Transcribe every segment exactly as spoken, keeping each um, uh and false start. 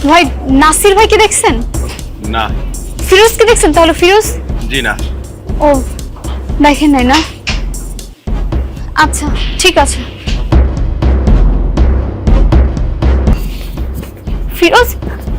ভাই নাসির ভাইকে দেখছেন? না। ফিরোজকে দেখছেন? তাহলে ফিরোজ? জি না। ও দেখেন নাই না? আচ্ছা ঠিক আছে। ফিরোজ,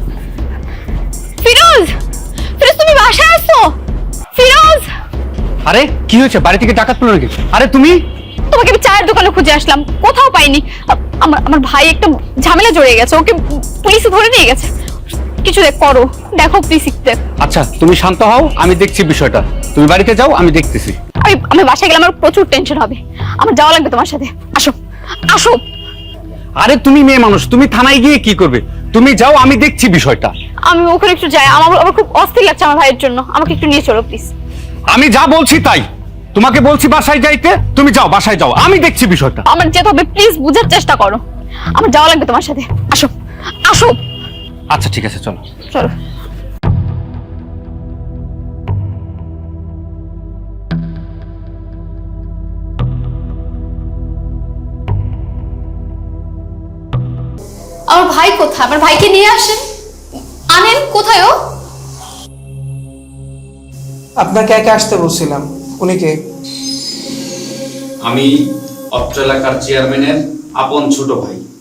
ফিরোজ, ফিরোজ তুমি বাসায় আসো? ফিরোজ, আরে কি হয়েছে? বাড়ি থেকে ডাকাত পড়লো নাকি? আরে তুমি? তোমাকে আমি চায়ের দোকানে খুঁজে আসলাম, কোথাও পাইনি। আমার আমার ভাই একটা ঝামেলা জড়িয়ে গেছে, ওকে পুলিশে ধরে নিয়ে গেছে। কিছু দেখ করো, দেখো প্লিজ একটু। আচ্ছা তুমি শান্ত হও, আমি দেখছি বিষয়টা। তুমি বাড়িতে যাও, আমি দেখতেছি। আমি আমি বাসায় গেলে আমার প্রচুর টেনশন হবে, আমার যাওয়া লাগবে তোমার সাথে। আসো আসো। আরে তুমি মেয়ে মানুষ, তুমি থানায় গিয়ে কি করবে? তুমি যাও, আমি দেখছি বিষয়টা। আমি ওখানে একটু যাই, আমার আমার খুব অস্থির লাগছে আমার ভাইয়ের জন্য, আমাকে একটু নিয়ে চলো প্লিজ। আমি যা বলছি তাই, তোমাকে বলছি বাসায় যাইতে, তুমি যাও, বাসায় যাও, আমি দেখছি বিষয়টা। আমার যেতে হবে, প্লিজ বুঝার চেষ্টা করো, আমার যাওয়া লাগবে তোমার সাথে। আসো আসো। আচ্ছা ঠিক আছে, চলো চলো। আমার ভাই কোথায়? আমার ভাইকে নিয়ে আসেন, আনেন। কোথায় ও? আপনাকে একা আসতে বলছিলাম। উনি কে? আমি অত্র এলাকার চেয়ারম্যানের আপন ছোট ভাই।